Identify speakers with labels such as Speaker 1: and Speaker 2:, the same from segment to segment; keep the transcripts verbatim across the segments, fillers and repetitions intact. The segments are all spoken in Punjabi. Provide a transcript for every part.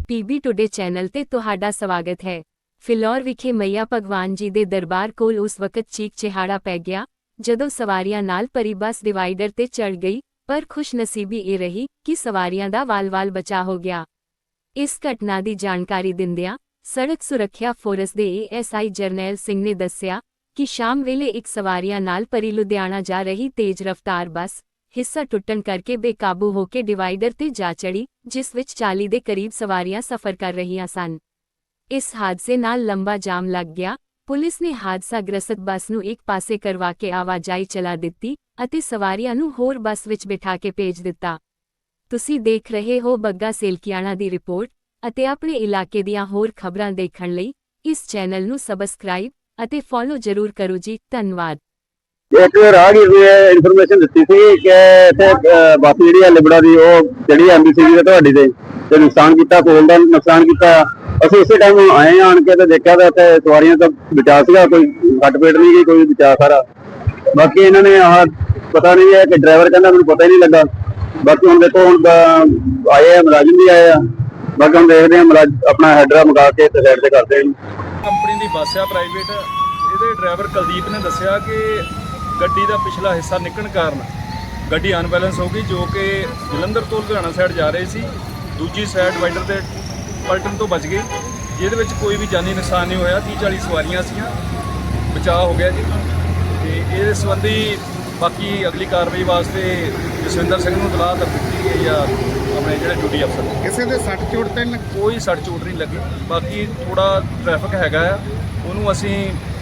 Speaker 1: ਪੀਬੀ ਟੁਡੇ ਚੈਨਲ ਤੇ ਤੁਹਾਡਾ ਸਵਾਗਤ ਹੈ। ਫਿਲੌਰ ਵਿਖੇ ਮਈਆ ਭਗਵਾਨ ਜੀ ਦੇ ਦਰਬਾਰ ਕੋਲ ਉਸ ਵਕਤ ਚੀਕ ਚਿਹਾੜਾ ਪੈ ਗਿਆ ਜਦੋਂ ਸਵਾਰੀਆਂ ਨਾਲ ਭਰੀ ਬੱਸ ਡਿਵਾਈਡਰ ਤੇ ਚੜ ਗਈ, ਪਰ ਖੁਸ਼ਨਸੀਬੀ ਇਹ ਰਹੀ ਕਿ ਸਵਾਰੀਆਂ ਦਾ ਵਾਲ-ਵਾਲ ਬਚਾ ਹੋ ਗਿਆ। ਇਸ ਘਟਨਾ ਦੀ ਜਾਣਕਾਰੀ ਦਿੰਦਿਆਂ ਸੜਕ ਸੁਰੱਖਿਆ ਫੋਰਸ ਦੇ ਏਐਸਆਈ ਜਰਨੈਲ ਸਿੰਘ ਨੇ ਦੱਸਿਆ ਕਿ ਸ਼ਾਮ ਵੇਲੇ ਇੱਕ ਸਵਾਰੀਆਂ ਨਾਲ ਭਰੀ ਲੁਧਿਆਣਾ ਜਾ ਰਹੀ ਤੇਜ਼ ਰਫ਼ਤਾਰ ਬੱਸ ਹਿੱਸਾ ਟੁੱਟਣ ਕਰਕੇ ਬੇਕਾਬੂ ਹੋ ਕੇ ਡਿਵਾਈਡਰ ਤੇ ਜਾ ਚੜੀ, ਜਿਸ ਵਿੱਚ ਚਾਲੀ ਦੇ ਕਰੀਬ ਸਵਾਰੀਆਂ ਸਫ਼ਰ ਕਰ ਰਹੀਆਂ ਸਨ। ਇਸ ਹਾਦਸੇ ਨਾਲ ਲੰਬਾ ਜਾਮ ਲੱਗ ਗਿਆ। ਪੁਲਿਸ ਨੇ ਹਾਦਸਾਗ੍ਰਸਤ ਬੱਸ ਨੂੰ ਇੱਕ ਪਾਸੇ ਕਰਵਾ ਕੇ ਆਵਾਜਾਈ ਚਲਾ ਦਿੱਤੀ ਅਤੇ ਸਵਾਰੀਆਂ ਨੂੰ ਹੋਰ ਬੱਸ ਵਿੱਚ ਬਿਠਾ ਕੇ ਭੇਜ ਦਿੱਤਾ। ਤੁਸੀਂ ਦੇਖ ਰਹੇ ਹੋ ਬੱਗਾ ਸੇਲਕੀਆਣਾ ਦੀ ਰਿਪੋਰਟ ਅਤੇ ਆਪਣੇ ਇਲਾਕੇ ਦੀਆਂ ਹੋਰ ਖਬਰਾਂ ਦੇਖਣ ਲਈ ਇਸ ਚੈਨਲ ਨੂੰ ਸਬਸਕ੍ਰਾਈਬ ਅਤੇ ਫੋਲੋ ਜ਼ਰੂਰ ਕਰੋ ਜੀ। ਧੰਨਵਾਦ।
Speaker 2: एक राहगीर ने इन्फॉर्मेशन दी थी कि इत्थे बस जी लिबड़ा की जी एम बी सी तुहाडी ते नुकसान किया, कोल का नुकसान किया। असं इस टाइम आए आन के देखा तो इतने सवारियां तो बचा सगा, कोई सट पेट नहीं गई, कोई बचा सारा। बाकी इन्होंने आह पता नहीं है कि ड्राइवर कहना मैं पता ही नहीं लगा। बाकी हम देखो हम आए हैं, मुलाजिम भी आए हैं। बाकी हम देखते हैं अपना हैडरा मंगा के साइड से करते हैं।
Speaker 3: कंपनी की बस है प्राइवेट, ये ड्राइवर कुलदीप ने दसिया कि ਗੱਡੀ ਦਾ ਪਿਛਲਾ ਹਿੱਸਾ ਨਿਕਲਣ ਕਾਰਨ ਗੱਡੀ ਅਨਬੈਲੈਂਸ ਹੋ ਗਈ, ਜੋ ਕਿ ਜਲੰਧਰ ਤੋਂ ਲੁਧਿਆਣਾ ਸਾਈਡ ਜਾ ਰਹੀ ਸੀ। ਦੂਜੀ ਸਾਈਡ ਡਿਵਾਈਡਰ ਤੇ ਪਲਟਣ ਤੋਂ ਬਚ ਗਈ, ਜਿਹਦੇ ਵਿੱਚ ਕੋਈ ਵੀ ਜਾਨੀ ਨੁਕਸਾਨ ਨਹੀਂ ਹੋਇਆ। ਤੀਹ ਚਾਲੀ ਸਵਾਰੀਆਂ ਸੀਗੀਆਂ, ਬਚਾਅ ਹੋ ਗਿਆ ਜੀ। ਤੇ ਇਸ ਸੰਬੰਧੀ ਬਾਕੀ ਅਗਲੀ ਕਾਰਵਾਈ ਵਾਸਤੇ ਜਸਵਿੰਦਰ ਸਿੰਘ ਨੂੰ ਇਤਲਾਹ ਤਾਂ ਦਿੱਤੀ ਗਈ ਆ, ਆਪਣੇ ਜਿਹੜੇ ਡਿਊਟੀ ਅਫਸਰ।
Speaker 4: ਕਿਸੇ ਦੇ ਸੱਟ ਚੋਟ ਤੇ
Speaker 3: ਕੋਈ ਸੱਟ ਚੋਟ ਨਹੀਂ ਲੱਗੀ। ਬਾਕੀ ਥੋੜਾ ਟ੍ਰੈਫਿਕ ਹੈਗਾ ਆ, ਉਹਨੂੰ ਅਸੀਂ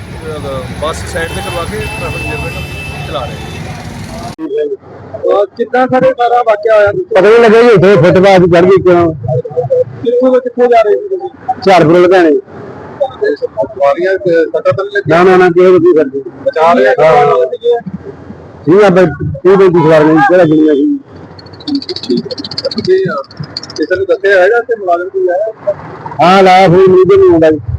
Speaker 3: ਬੱਸ ਸਾਈਡ ਤੇ ਕਰਵਾ ਕੇ ਟ੍ਰੈਫਿਕ ਨਿਯੰਤਰਣ ਚਲਾ ਰਹੇ ਹਾਂ।
Speaker 2: ਕਿੱਦਾਂ ਸਾਰੇ ਸਾਰਾ ਵਾਕਿਆ ਹੋਇਆ ਪਤਾ ਨਹੀਂ ਲੱਗਾ ਜੀ। ਇੱਥੇ ਫੁੱਟਪਾਥ ਚੜ ਗਈ, ਕਿਉਂ ਕਿੱਥੋਂ ਤੋਂ ਕਿੱਥੋਂ ਜਾ ਰਹੇ ਸੀ ਤੁਸੀਂ? ਝਾਰਪੁਰ ਲੁਧਿਆਣੇ।
Speaker 4: ਸਵਾਰੀਆਂ ਸੱਟਾਂ ਤਾਂ ਨਹੀਂ
Speaker 2: ਨਾ ਨਾ ਨਾ ਕਿਹੋ ਜਿਹੀ ਕਰਦੀ
Speaker 4: ਬਚਾ ਲਿਆ
Speaker 2: ਠੀਕ ਆ ਬਈ। ਇਹ ਬਈ ਸਵਾਰੀਆਂ ਕਿਹੜਾ ਦੁਨੀਆ ਸੀ
Speaker 4: ਕਿਸੇ ਨੂੰ ਦੱਸਿਆ ਹੈਗਾ ਕਿ ਮੁਲਾਜ਼ਮ ਕੋਈ ਆਇਆ?
Speaker 2: ਹਾਂ ਲਾਇਆ, ਫਿਰ ਮੈਨੂੰ ਨਹੀਂ ਆਉਂਦਾ।